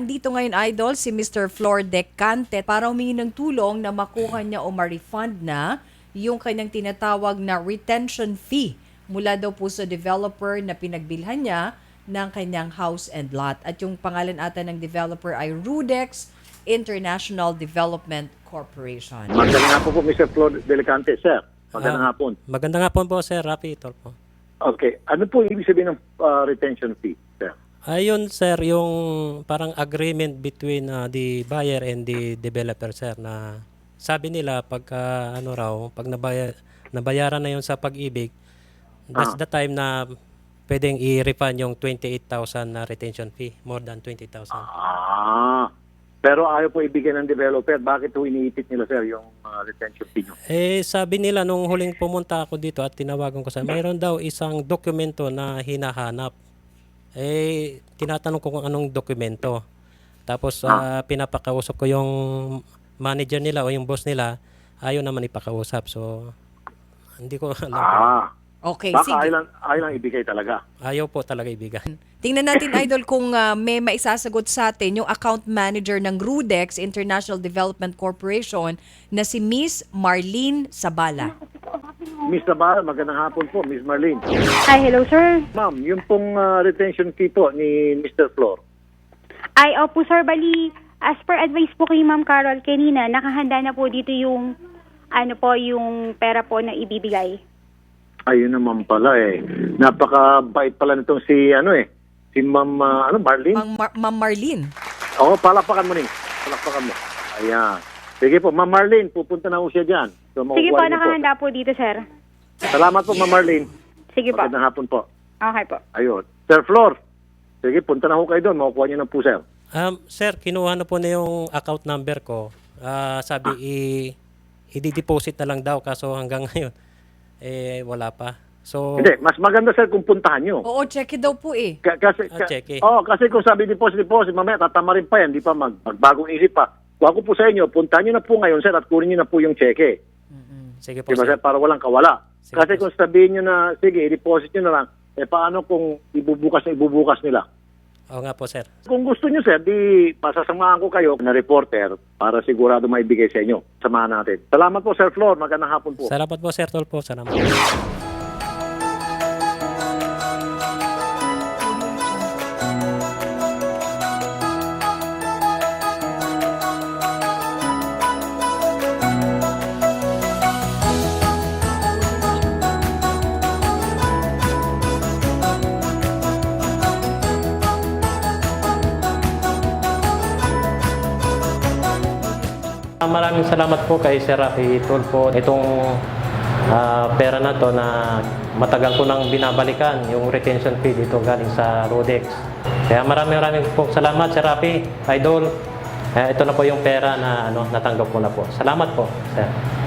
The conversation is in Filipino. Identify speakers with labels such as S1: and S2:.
S1: Andito ngayon, Idol, si Mr. Flor Decante para humingi ng tulong na makuha niya o ma-refund na yung kanyang tinatawag na retention fee mula daw po sa developer na pinagbilhan niya ng kanyang house and lot. At yung pangalan ata ng developer ay Rudex International Development Corporation.
S2: Magandang hapon po, Mr. Flor Delicante, sir. Magandang hapon.
S3: Magandang hapon po, Sir Rafi Tulfo.
S2: Okay. Ano po ibig sabihin ng retention fee, sir?
S3: Ayun, sir, yung parang agreement between the buyer and the developer, sir, na sabi nila pagka pag nabayaran na yun sa pag-ibig, that's the time na pwedeng i-refund yung 28,000 na retention fee, more than 20,000.
S2: Pero ayaw po ibigay ng developer. Bakit po iniipit nila, sir, yung retention fee nyo?
S3: Sabi nila nung huling pumunta ako dito at tinawagan ko sa mayroon daw isang dokumento na hinahanap. Tinatanong ko kung anong dokumento. Tapos pinapakausap ko yung manager nila o yung boss nila, ayaw naman ipakausap. So, hindi ko alam.
S1: Okay,
S2: Baka
S1: sige.
S2: ayaw lang ibigay talaga.
S3: Ayaw po talaga ibigay.
S1: Tingnan natin, Idol, kung may maisasagot sa atin yung account manager ng Rudex International Development Corporation na si Miss Marlene Sabala.
S2: Miss Navarro, magandang hapon po, Miss Marlene.
S4: Hi, hello sir.
S2: Ma'am, yung pong retention fee po ni Mr. Flor.
S4: Ay, opo sir, bali, as per advice po kay Ma'am Carol kanina, nakahanda na po dito yung, yung pera po na ibibigay.
S2: Ayun naman pala Napakabait pala nitong si si Ma'am Marlene.
S1: Ma'am Marlene.
S2: Oo, palakpakan mo rin. Palakpakan mo. Ayan. Sige po, Ma'am Marlene, pupunta na po siya dyan. So,
S4: Sige po,
S2: makukuha niyo
S4: nakahanda po dito sir.
S2: Salamat po, Ma'am Marlene.
S4: Sige po.
S2: Magandang hapon po.
S4: Okay po.
S2: Ayun. Sir Flor, sige, punta na ho kayo doon. Makukuha niyo na po, sir.
S3: Sir, kinuha na po na yung account number ko. Sabi, i-deposit na lang daw kaso hanggang ngayon, wala pa. So,
S2: Hindi, mas maganda, sir, kung puntahan niyo.
S1: Oo, check it daw po eh.
S3: Check.
S2: Kasi kung sabi deposit, mamaya tatama rin pa yan. Di pa magbagong isip pa. Kung ako po sa inyo, puntahan niyo na po ngayon, sir, at kunin niyo na po yung cheque.
S3: sige po,
S2: Diba,
S3: sir.
S2: sir, para walang kawala.
S3: Sige
S2: Kasi
S3: po,
S2: kung sabihin niyo na, sige, i-deposit niyo na lang, paano kung ibubukas nila?
S3: Oo nga po, sir.
S2: Kung gusto niyo, sir, di pasasamahan ko kayo na reporter para sigurado maibigay sa inyo. Samahan natin. Salamat po, Sir Flor. Magandang hapon po.
S3: Salamat po, Sir Tulfo. Salamat. Maraming salamat po kay Sir Rafi Tulfo. Itong pera na to na matagal ko nang binabalikan, yung retention fee dito galing sa Rudex. Kaya maraming po salamat, Sir Rafi, Idol. Ito na po yung pera na natanggap ko na po. Salamat po, Sir.